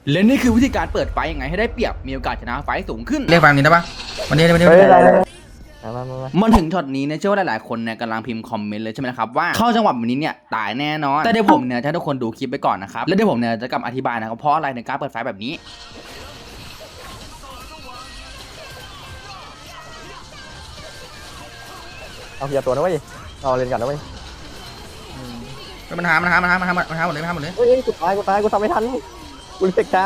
และนี่คือวิธีการเปิดไฟยังไงให้ได้เปรียบมีโอกาสชนะไฟสูงขึ้นเรียกฟังนี้ได้ปะวันนี้มันถึงช็อตนี้เนี่ยเชื่อว่าหลายๆคนเนี่ยกำลังพิมพ์คอมเมนต์เลยใช่ไหมครับว่าเข้าจังหวะแบบนี้เนี่ยตายแน่นอนแต่เดี๋ยวผมเนี่ยจะให้ทุกคนดูคลิปไปก่อนนะครับแล้วเดี๋ยวผมเนี่ยจะกลับอธิบายนะครับเพราะอะไรในการเปิดไฟแบบนี้เอาเกียร์ตัวนะเว้ยเอาเล่นกันนะเว้ยมันหาหมดเลยเฮ้ยกูตายกูทำไม่ทันกูเสกช้า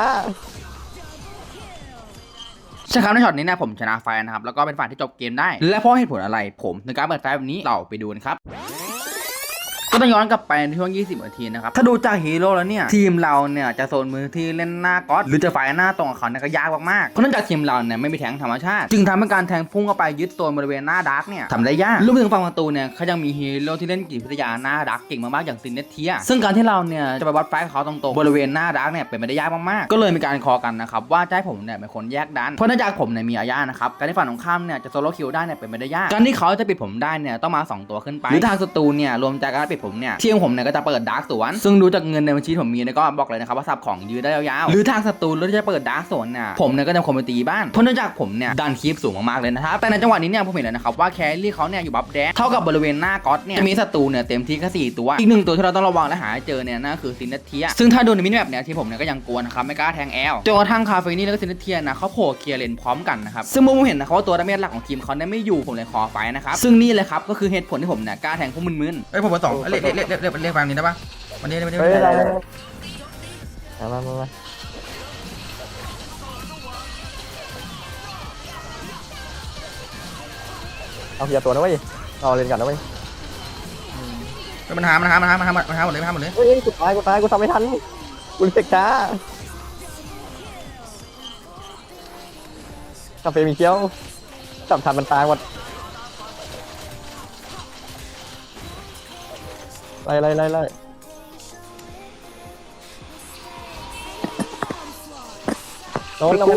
ใช่ครับในช็อตนี้นะผมชนะไฟนะครับแล้วก็เป็นฝ่ายที่จบเกมได้และเพราะเหตุผลอะไรผมในการเปิดไฟแบบนี้เราไปดูกันครับก็ต้องย้อนกลับไปในช่วง20 นาทีนะครับถ้าดูจากฮีโร่แล้วเนี่ยทีมเราเนี่ยจะโซนมือที่เล่นหน้าก๊อตหรือจะไฟหน้าตรงกับเขาเนี่ยก็ยากมากๆเพราะเนื่องจากทีมเราเนี่ยไม่มีแทงธรรมชาติจึงทำให้การแทงพุ่งเข้าไปยึดโซนบริเวณหน้าดาร์กเนี่ยทำได้ยากรวมถึงฝั่งประตูเนี่ยเขายังมีฮีโร่ที่เล่นจิตวิทยาหน้าดาร์กเก่งมากๆอย่างซินเนเทียซึ่งการที่เราเนี่ยจะไปวัดไฟกับเขาตรงๆบริเวณหน้าดาร์กเนี่ยเป็นไปได้ยากมากๆก็เลยมีการคอกันนะครับว่าจะให้ผมเนี่ยเป็นคนแยกดันเพราะเนื่องจากผมเนี่ยมีอาญานะครับการที่ฝั่งตรงข้ามเนี่ยจะโซโล่คิวได้เนี่ยเป็นไปได้ยากการที่เขาจะปิดผมได้เนี่ยต้องมา2 ตัวขึ้นไปหรือทางศัตรูเนี่ยรวมจากการปิดผมเนี่ยทีมผมเนี่ยก็จะเปิดดาร์กสวนซึ่งดูจากเงินในบัญชีผมมีเนี่ยก็บอกเลยนะครับว่าซับของยืดได้ยาวๆหรือทางศัตรูแล้วจะเปิดดาร์กสวนเนี่ยผมเนี่ยก็จะคอมไปตีบ้านเพราะเนื่องจากผมเนี่ยดันคีปสูงมากๆเลยนะครับแต่ในจังหวะนี้เนี่ยผมเห็นแล้วนะครับว่าแครี่เขาเนี่ยอยู่บัฟแดงเท่ากับบริเวณหน้าก๊อตเนี่ยจะมีศัตรูเนี่ยเต็มที่แค่4 ตัวอีก1 ตัวที่เราต้องระวังและหาเจอเนี่ยนั่นคือซินเนเทียซึ่งถ้าดูในมินิแมปเนี่ยที่ผมเนี่ยก็ยังกลัวนะครับไม่กล้าแทงแอลจนกระทั่งคาเฟนี่แล้วก็ซินเนเทียนะเขาโผล่เคลียร์เลนพร้อมกันนะครับซึ่งผมเห็นนะครับว่าตัวดาเมจหลักของทีมเขาเนี่ยไม่อยู่ผมเลยขอไฟนะครับซึ่งนี่เลยครับก็คือเหตุผลที่ผมเนี่ยกล้าแทงพวกมึนเฮ้ยผมเบอร์ 2เรียกฟังนี้ได้ปะวันนี้เฮ้ยมาเอาเกียร์ตัวนะเว้ยเอาเล่นกันนะเว้ยมันหาหมดเลยเฮ้ยกูตายกูทำไม่ทันกูเสกช้าคาเฟ่มีเคี้ยวจับทันมันตายหมดไล่โดน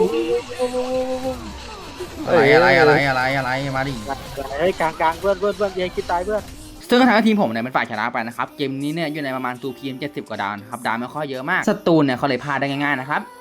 อะไรมาดิเฮ้ยกลางเพื่อนยังคิดตายเพื่อนซึ่งก็ทำให้ทีมผมเนี่ยเป็นฝ่ายชนะไปนะครับเกมนี้เนี่ยอยู่ในประมาณ2PM 70 กว่าดาวนะครับดาวไม่ค่อยเยอะมากศัตรูเนี่ยเขาเลยพลาดได้ง่ายๆนะครับ